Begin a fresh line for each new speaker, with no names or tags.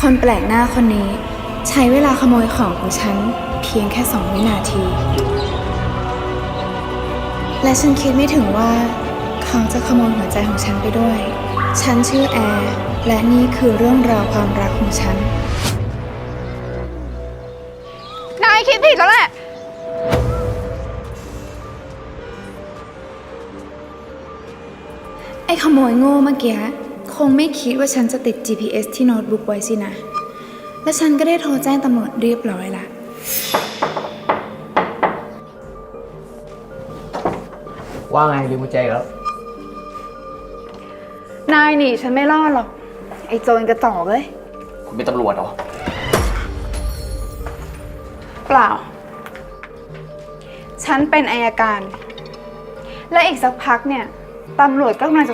คนแปลกหน้าคนนี้ใช้เวลาขโมยของของฉันเพียงแค่2 วินาที และฉันคิดไม่ถึงว่าเขาจะขโมยหัวใจของฉันไปด้วย ฉันชื่อแอร์และนี่คือเรื่องราวความรักของฉัน
นายคิดผิดแล้วแหละ
ไอ้ขโมยโง่เมื่อกี้คงไม่คิดว่าฉันจะติด GPS ที่โน้ตบุ๊กไว้สินะ และฉันก็ได้โทรแจ้งตำรวจเรียบร้อยละ
ว่าไงลืมกุญแจอีกแล้ว
นายหนีฉันไม่รอดหรอก ไอ้โจรกระจอกเลย
คุณเป็นตำรวจเหรอ
เปล่า ฉันเป็นอัยการ และอีกสักพักเนี่ย ตำรวจก็กำลังจะ